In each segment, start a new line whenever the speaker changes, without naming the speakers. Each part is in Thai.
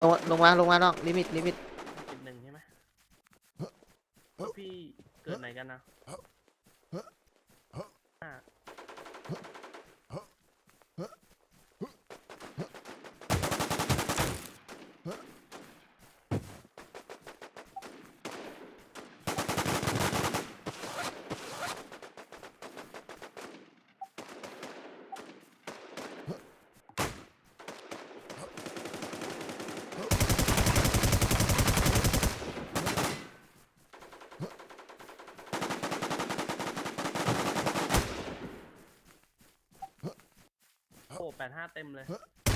ลงมาน้องลิมิต
จุดหนึ่งใช่ไหมพี่เกิดไหนกันนะโอ้85เต็มเลย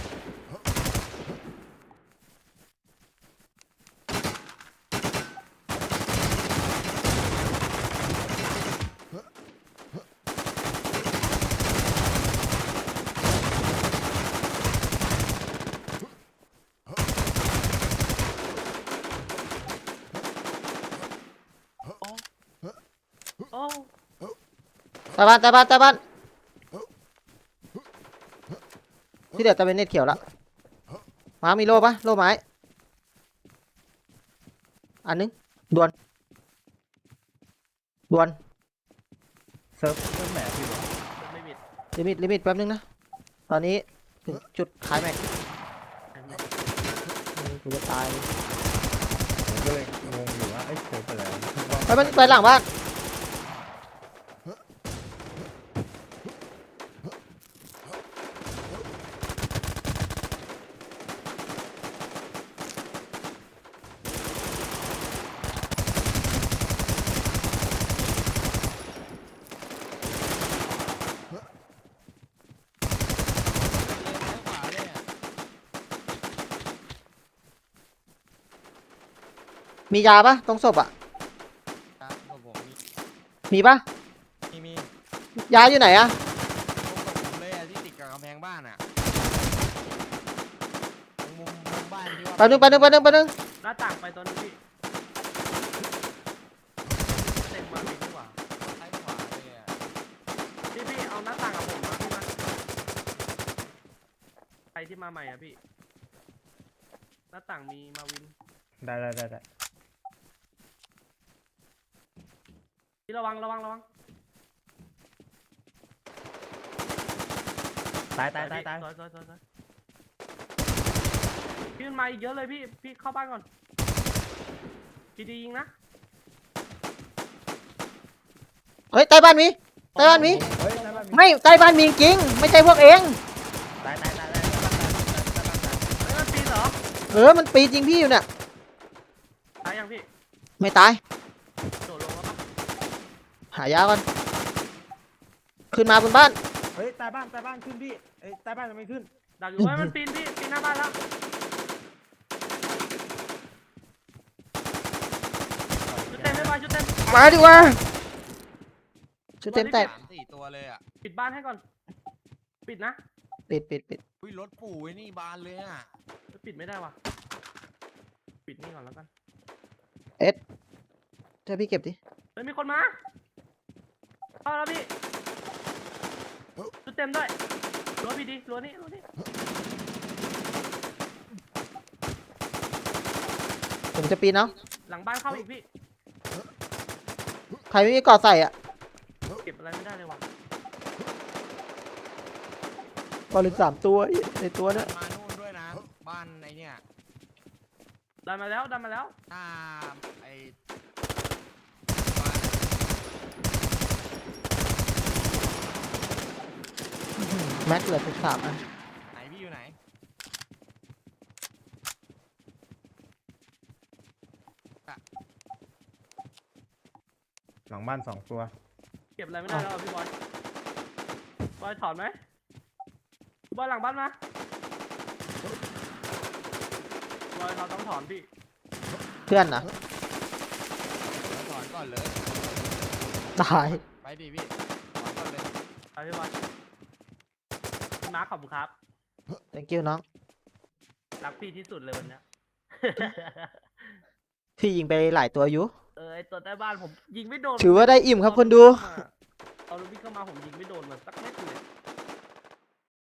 โอ้
ใต้บ้านที่เดือดจะเป็นเน็ตเขียวละมามีโล่ปะโล่ไม้อันนึงด่วน
เซิร์ฟแหมพี่บอก
ไม่มิด
ลิมิตแป๊บนึงนะตอนนี้ถึงจุดขายแม็กกูจะตาย
ผมก็เลยงงอยู่ว่าเอ้ยเซิร์ฟไปแล้ว
ไปมันไปหลังบ้านมียาปะตรงศพอ่ะ
ผม
มีปะ
มี
ยาอยู่ไหนอะ
ผมเลยที่ติดกับกำแพงบ้านอ่ะมุมบ้านที่ว่า
แป๊บนึง
หน้าต่างไปตอนนี้พี่เต็มมาดีกว่า
ซ้ายขวาเลยอ่ะ
พี่เอาหน้าต่างกับผมมาพี่มาใครที่มาใหม่อ่ะพี่หน้าต่างมีมาวิน
ได้
พี่ระวัง
ตาย
สวยพี่มันมาอีกเยอะเลยพี่เข้าบ้านก่อนพี่ดียิงนะ
เฮ้ยใต้บ้านมี
เฮ้ยได้บ้าน
ไม่ใต้บ้านมีจริงไม่ใช่พวกเอง
ตาย
เฮ้ยมันปีนเหรอ
มันปีจริงพี่อยู่เนี่ย
ตายยังพี่
ไม่ตาย
โดดลงแล้วปะ
หายาก่อนขึ้นมาบนบ้าน
เฮ้ยตายบ้านขึ้นพี่เอ้ยตายบ้านยังไม่ขึ้น
ดักอยู่ไว้มันปีนพี่ปีนหน้าบ้านแล้วชุดเต็มไม่มาชุดเต็ม
มาดีกว่าชุดเต็มแตก
3-4 ตัวเลยอ่ะ
ปิดบ้านให้ก่อนปิดนะ
ปิด
อุ้ยรถปู่ไอ้นี่บานเลยอ่ะ
ปิดไม่ได้ว่ะปิดนี่ก่อนแล้วกัน
เดี๋ยวพี่เก็บดิ
เฮ้ยมีคนมาเข้าแล้วพี่ชุดเต็มด้วยรั้วพี่ดีรั้วนี่
ผมจะปีนเนาะ
หลังบ้านเข้าอีกพี่
ใครไม่มีเกาะใส่อ่ะ
เก็บอะไรไม่ได้เลยว่ะ
เกาะเหลือ3 ตัวในตัวเนี่ย
มานู่นด้วยนะบ้านไอ้เนี่ย
ดันมาแล้ว
หน้าไอ้
แม็กเหลือ13อ่ะ
ไหนพี่อยู่ไหน
หลังบ้าน2 ตัว
เก็บอะไรไม่ได้แล้วพี่บอยถอนไหมพี่บอยหลังบ้านมาบอยเราต้องถอนพี่
เพื่อนนะ
ถอนก่อนเลย
ตาย
ไปดิพี่ถอนก่อนเลย
ไปพี่บอยพี่มาร์คขอบคุณครับ
thank you น้อง
รักพี่ที่สุดเลยวันเนี้ย
พี่ยิงไปหลายตัวอยู่
ไอตัวใต้บ้านผมยิงไม่โดน
ถือว่าได้อิ่มครับคนดู
เอาลูกพี่เข้ามาผมยิงไม่โดนมันสักเม็ดเลย